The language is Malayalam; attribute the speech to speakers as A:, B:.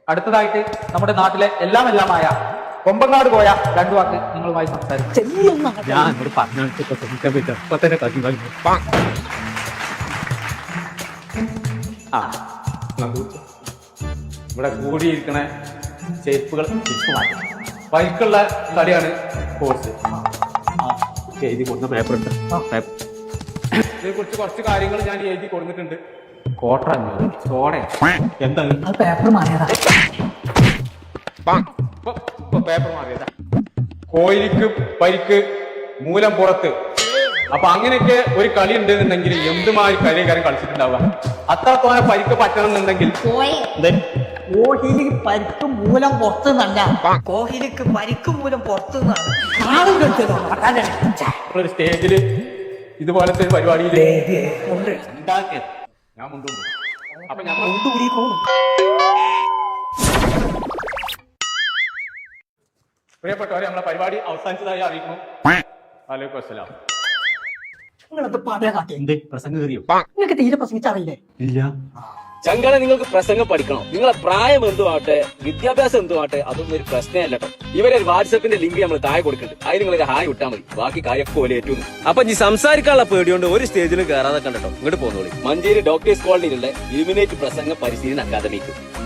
A: അടുത്തതായിട്ട് നമ്മുടെ നാട്ടിലെ എല്ലാമായ കൊമ്പങ്ങാട് പോയ രണ്ടു വാക്ക് നിങ്ങളുമായി സംസാരിക്കും.
B: ഞാൻ ഇവിടെ പറഞ്ഞു ഇപ്പൊ തന്നെ കത്തി കഴിഞ്ഞു.
A: ആ ഇവിടെ കൂടിയിരിക്കണ ചെരുപ്പുകൾ ബൈക്കുള്ള കളിയാണ് കോഴ്സ്.
B: എഴുതി കൊടുത്ത പേപ്പർ ഉണ്ട്.
A: ഇതിനെ കുറിച്ച് കുറച്ച് കാര്യങ്ങൾ ഞാൻ എഴുതി കൊടുത്തിട്ടുണ്ട്. കോട്ട സോടെ
B: എന്താണ്
C: പേപ്പർ മാറിയതാ.
A: പേപ്പർ മാറിയതാ. കോയിലിക്ക് പരിക്ക് മൂലം പുറത്ത്. അപ്പൊ അങ്ങനെയൊക്കെ ഒരു കളി ഉണ്ടെന്നുണ്ടെങ്കിൽ എന്തുമായി കളിക്കാരൻ കളിച്ചിട്ടുണ്ടാവുക. അത്രത്തോനെ പരിക്ക് പറ്റണമെന്നുണ്ടെങ്കിൽ
C: കോഹ്ലിക്ക് പരിക്ക് മൂലം പുറത്തു നിന്നല്ല, കോഹ്ലിക്ക് പരിക്ക് മൂലം പുറത്തു നിന്നാണ്
A: ഒരു സ്റ്റേജില് ഇതുപോലത്തെ ഒരു പരിപാടിയിൽ ഉണ്ടാക്കിയത് ഞാൻ മുണ്ടുണ്ട്. അപ്പൊ ഞാൻ പ്രിയപ്പെട്ടവരെ, നമ്മളെ പരിപാടി അവസാനിച്ചതായി അറിയിക്കുന്നു. വലൈക്കും അസ്സലാം.
C: നിങ്ങളത് പറയാ കാട്ടി.
B: എന്ത് പ്രസംഗം കയറിയോ?
C: നിങ്ങൾക്ക് തീരെ പ്രസംഗിച്ചറിയില്ലേ?
B: ഇല്ല.
D: ചങ്കളെ, നിങ്ങൾക്ക് പ്രസംഗം പഠിക്കണം. നിങ്ങളെ പ്രായം എന്തുമാട്ടെ, വിദ്യാഭ്യാസം എന്തുമാട്ടെ, അതൊന്നും ഒരു പ്രശ്നമല്ല കേട്ടോ. ഇവരെ വാട്സപ്പിന്റെ ലിങ്ക് നമ്മൾ താഴെ കൊടുക്കുന്നുണ്ട്. അതിന് നിങ്ങൾ ഹായ് വിട്ടാൽ മതി. ബാക്കി കാര്യമൊക്കെ പോലെ ഏറ്റവും. അപ്പൊ ഈ സംസാരിക്കാനുള്ള പേടിയോണ്ട് ഒരു സ്റ്റേജിലും കയറാതെ കണ്ടോ. ഇങ്ങോട്ട് പോന്നോളി. മഞ്ചേരി ഡോക്ടേഴ്സ് കോളനിയിലുള്ള ഇലുമിനേറ്റ് പ്രസംഗ പരിശീലന അക്കാദമിക്ക്.